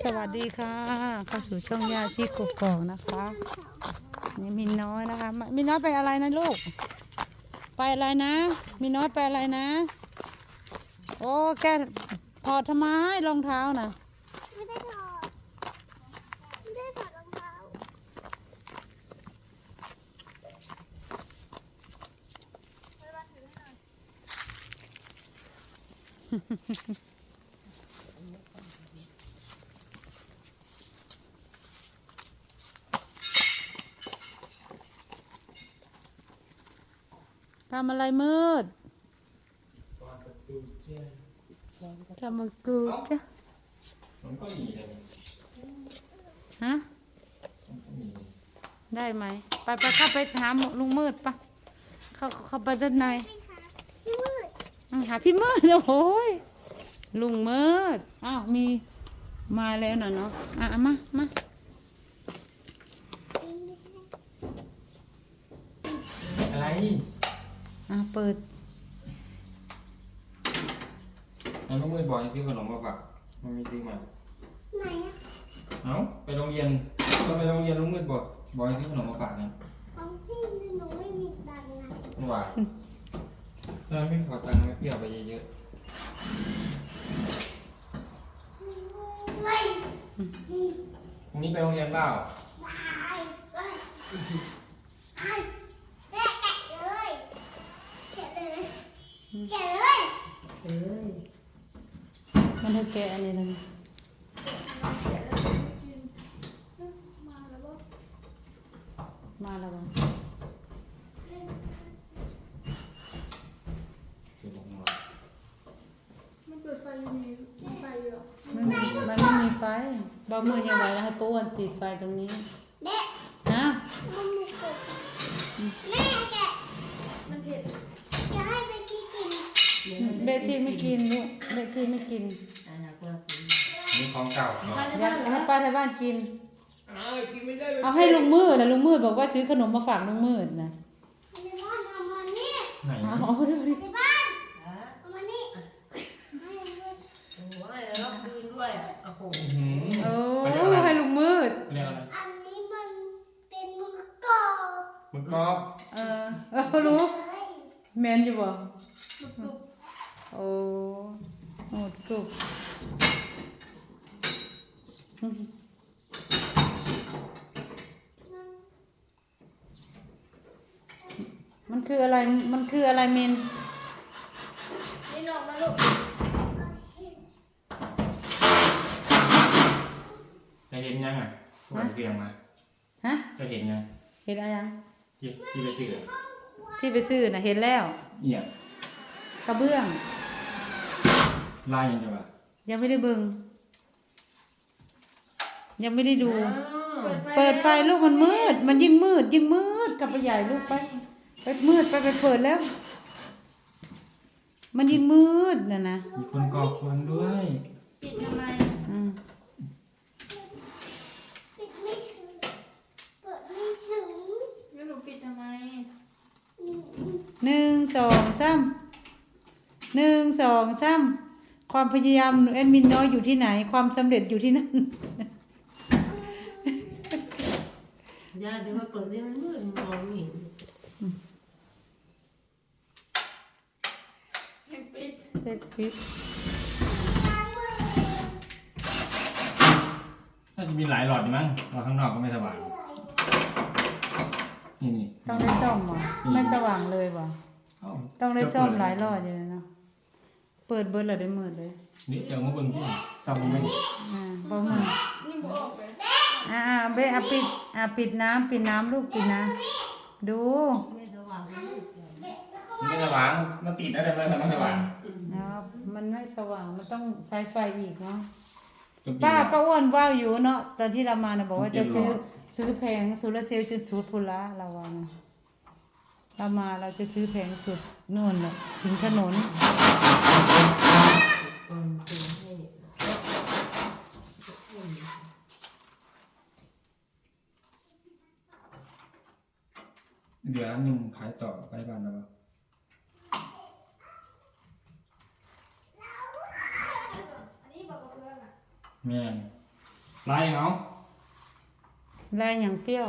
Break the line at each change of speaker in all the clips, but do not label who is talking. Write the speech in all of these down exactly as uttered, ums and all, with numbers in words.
สวัสดีค่ะเข้าสู่ช่องยาชีกกอกนะคะนี่มินน้อยนะคะมินน้อยไปอะไรนะลูกไปอะไรนะมินน้อยไปอะไรนะโอ้แกถอดทำไมรองเท้านะ
ไม่ได้ถอดไม่ได้ถอดรองเท้า
ทำอะไรมืดทำประตูจ้ะ
มันก็มีเลย
ฮะได้ไหมไปไปเข้าไปหาลุงมืดปะเข้าเข้าไปด้านใน
พี่มืด
หาพี่มืดโอ้ยลุงมืดอ้าวมีมาแล้วน่ะเนาะอ่ะมามา
อะไร
อ่ะเปิด
แล้วลูกมือบอกให้ซื้อขนมมาฝากมันมีซื้อมา
ไหนอะ
เอ้าไปโรงเรียนก็ไปโรงเรียนลูกมือบอกบอกให้ซื้อขนมมาฝากไง
ของพี่หนูไม่มีตังค์นะ
เมื่อวานถ้าไม่ขอตังค์ไม่เปรี้ยวไปเยอะ
ไม่
ๆพรุ่งนี้ไปโรงเรียนเปล่า
ไปไปไปแม่แกะเลยแกะเลยแกะเลย
เอ้ยมันเธอแกะอันนี้เลย
มาแล้วบ่
มาแล้วบ่
เดี๋ยวผมมา
มันเปิดไฟอยู่นี่มีไฟอยู่หรอ
มันไม่มันไม่มีไฟบ่มือยังไงแล้วให้ป้วนติดไฟตรงนี้
แม่
ฮะ
มันมีกบแม่แกะมันเผ็ดจะให้ไปชี้กิน
เบซี่ไม่กินลูกเบซี่ไม่กิน
นี่ของเก่าเนาะ
อยากให้ป้าที่บ้านกินเอาให้ลุงมืดนะลุงมืดบอกว่าซื้อขนมมาฝากลุงมืดนะ
ในบ้านเอามานี่
ไหน
เอาเอาเดี๋ยวดิ
ในบ้านเอามานี่ให้เลย
โอ้โหอะไรแล้วคืนด้วยอ่ะโอ้โห
หืม
โอ้
เขาเรียกอะไร
ให้ลุงมืด
เขาเรียกอะไร
อันนี้มันเป็นมือกรอบ
มึงกรอบ
เออเออรู้
เลย
แมนอยู่บ่
ตุก
โอ้โหกรุบมันคืออะไรมันคืออะไรมิน
นี่นกมาลูก
จะเห็นยังอ่ะพวกเสียงมา
ฮะ
จะเห็นยัง
เห็นอะไรยัง
ที่ที่ไปซื้อ
ที่ไปซื้อน่ะเห็นแล้ว
เอี่ย
กระเบื้อง
ลายยังไงวะ
ยังไม่ได้เบิ่งยังไม่ได้ดู
อ้าว
เปิดไฟลูกมันมืด มันยิ่งมืด ยิ่งมืดกลับไปใหญ่ลูกไป ไปมืดไปไปเปิดแล้ว มันยิ่งมืดน่ะนะ
มีคนก่อควันด้วย
ปิดทำไม
อืม
ปิดไม่ถึงเปิดไม่ถึง
แล้วหนูปิดทำไม
อืม
หนึ่งสองสามหนึ่งสองสามความพยายามแอดมินน้อยอยู่ที่ไหน ความสำเร็จอยู่ที่นั่น
ย่าเดี๋ยวมาเปิดนี่มันมืดมองไม่เห็น
ให้ปิด
เสร็จปิด
น่าจะมีหลายหลอดอยู่มั้งหลอดข้างนอกก็ไม่สว่างนี่นี่
ต้องได้ซ่อมเหรอไม่สว่างเลยบ่
เอ้า
ต้องได้ซ่อมหลายรอบอยู่เลยเนาะเปิดเบิร์ดเลยได้มืดเลย
นี่เจอมาเบิ่งที่ซ่อมมัน
อ่าบ่มืด
นี่บออกไป
อ่าอ่าเบะอ่ะปิดอ่ะปิดน้ำปิดน้ำลูกปิดน้ำดู
ไม่สว่างไม่มืดเลย
มันไม่สว่างมันติดนะแต่ไม่ไม่สว่าง
เนาะมันไม่สว่างมันต้องใช้ไฟอีกเนาะ
จนปี
ป้า
แล้ว
ป้าอ้วนว่าอยู่เนาะตอนที่เรามานะบอกว่า
เดี๋
จะ
ยว
ซื้อ
รอ
ซื้อแผงโซลาร์เซลล์จนสุดพุนละเราว่านะเรามาเราจะซื้อแผงสุดนู่นน่ะถึงถนน
อืมเป็นให้
เดี๋ยวอันหนึ่งขายต่อไปบ้านแล้ว
อันนี้บอกกับเพื่อนอ่ะ
แม่นลายยังเอา
ลายอย่างเปรี้ยว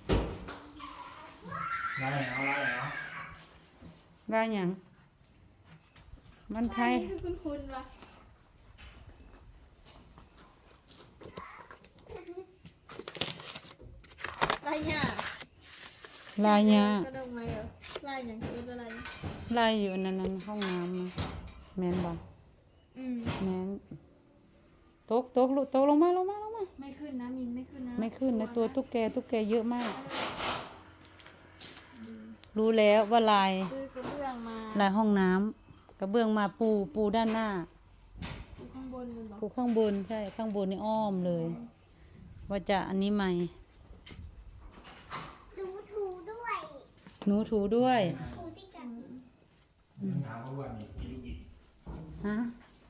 ลายยังเอาลายยังเอา
ลายอย่างมันไทย
คือคุณคุณวะลายหยา
ลายยา
ก็ดงไหมเหรอลายอย่างคืออะไร
ลายอยู่นั่นนั่นห้องน้ำน่ะแมนบ่
อืม
แมนตกตกลูกตกลงมาลงมาลงมา
ไม่ขึ้นนะมินไม่ขึ้นนะ
ไม่ขึ้นนะตัวตุ๊กแกตุ๊กแกเยอะมาก รู้แล้วว่าลาย
ซื้อกระเบื้องมา
ลายห้องน้ำกระเบื้องมาปูปูด้านหน้า
อยู่ข้างบนเลยเหรอ
ปูข้างบนใช่ข้างบนนี่อ้อมเลย ว่าจะอันนี้ใหม่
ดูถูด้วย
หนูถูด้วย
ถูที่กัน
ถามเขาว่ามีกี่ลูกอีก
ฮะ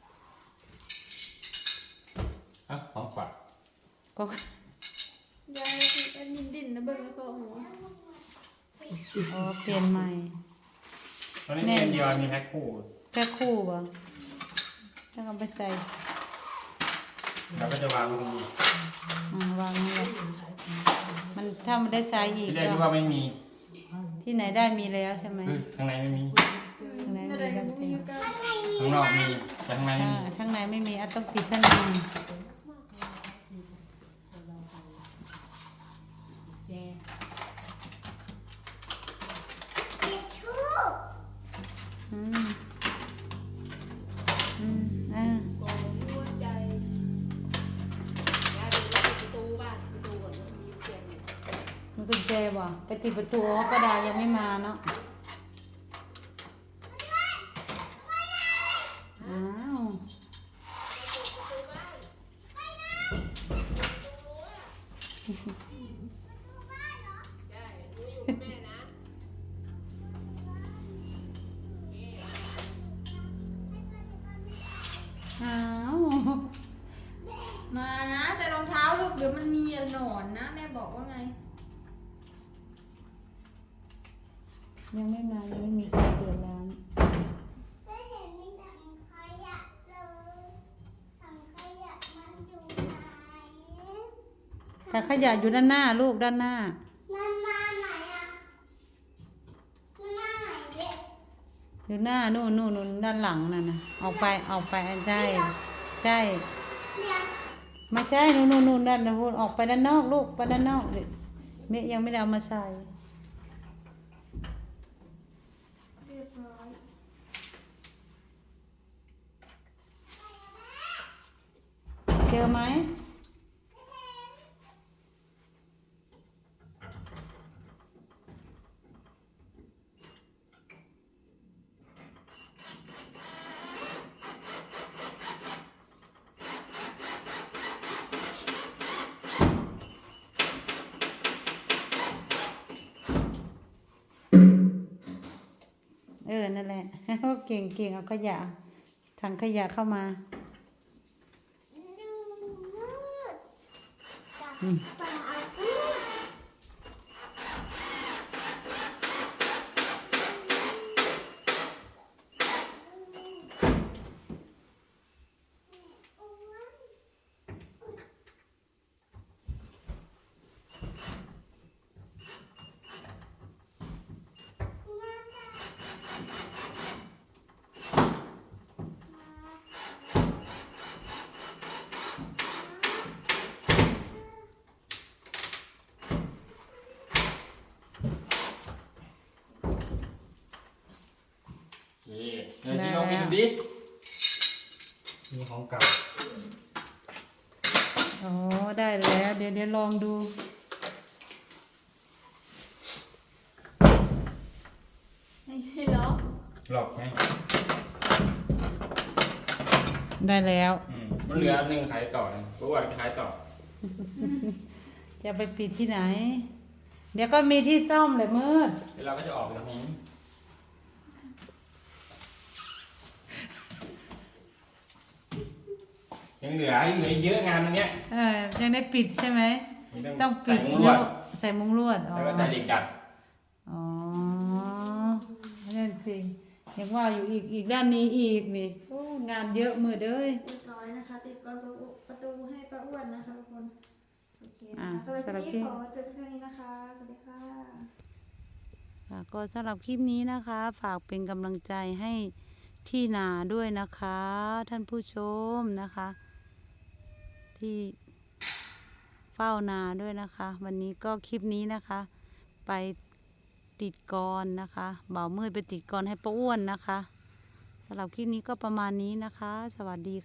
อ่ะของขวัญ
ก็
ยายคือเป็นดินดินนะเบิ้งแล้วก็หัว
อ๋อเปลี่ยนใหม่
ตอนนี้มีอันเดียวมีแพ็คคู่
แค่คู่บ่แล้วก็ไปใส่
เราก็จะวางตรงนี้
อ่าวางนี่แหละมันถ้ามันได้ใช้อีก
ที่แรก
ก็
นึกว่าไม่มี
ที่ไหนได้มีแล้วใช่ไหม
คือข้างในไม่มี
ข้างใน
อะ
มี
ไร
แล้ว
ก็มีอยู่กัน
ข้างนอกมีแต่ข้างในไม่
อ่า
มี
ข้างในไม่มีอ่ะต้องปิดข้างใน
เด็ดชู้
อืมอืมอ่า
โอ้ยหัวใจยายดูว่าประตูบ้านประตูก่อนมันมีเสียงอยู่
มันกุญแจบ่ไปติดประตูอ๋อกระดาษยังไม่มาเนาะอ้าวอ้าว
มานะใส่รองเท้าลูกเดี๋ยวมันมีหนอนนะแม่บอกว่าไง
ยังไม่มายังไม่มีใครเปิดร้าน
ไม่เห็นมีถังขยะเลยถังขยะมันอยู่ไหน
แต่ขยะอยู่ด้านหน้าลูกด้านหน้า
มันมาไหนอ่ะมันมาไหนเด็ก
อยู่หน้านู่นนู่นนู่นด้านหลังนั่นนะออกไปออกไปใช่ใช่
เนี่ย
ไม่ใช่นู่นนู่นนู่นด้านนู้นออกไปด้านนอกลูกไปด้านนอกเด็กเมยยังไม่ได้เอามาใส่
เรียบร้อย
เจอไหมเออนั่นแหละ เก่งเก่งเอาขยะถังขยะเข้ามา
ดูมืดจับ
อืม
ปลาอืม
โอเคเดี๋ยวชี้ลองไปดูดิมีของเก่า
อ๋อได้แล้ว เดี๋ยวเดี๋ยวลองดู
ให้เหรอ
หลอกไหม
ได้แล้ว
อืมมันเหลืออันหนึ่งขายต่อนะเพราะว่าไปขายต่อ
จะไปปิดที่ไหน เดี๋ยวก็มีที่ซ่อมเลยมืด
เดี๋ยวเราก็จะออกไปตรงนี้ยังเหลือยังเหลือเยอะงานตรงเนี้ย
เออยังได้ปิดใช่ไหม
มี
ต้องปิ
ใส่
ด
มุ้งลวด
แล้วใส่มุ้งลวดอ๋อ
แล้วก็ใส่เหล็กดัด
อ๋อนั่นสิยังว่าอยู่อีกอีกด้านนี้อีกนี่โอ้งานเยอะมืดเอ้ย
เรียบร้อยนะคะ ติดกรอนประตูให้ป้าอ้วนนะคะทุกคน
อ่า
นะคะสำหรับ
สำหรับ
คลิป
คลิป
นี้ขอจบเพียงเท่านี้นะคะ สวัสดีค่ะ
ค่ะก็สำหรับคลิปนี้นะคะ ฝากเป็นกำลังใจให้ที่นาด้วยนะคะ ท่านผู้ชมนะคะ ที่เฝ้านาด้วยนะคะ วันนี้ก็คลิปนี้นะคะ ไปติดกรนะคะบ่าวมืดไปติดกรให้ป้าอ้วนนะคะสำหรับคลิปนี้ก็ประมาณนี้นะคะ สวัสดี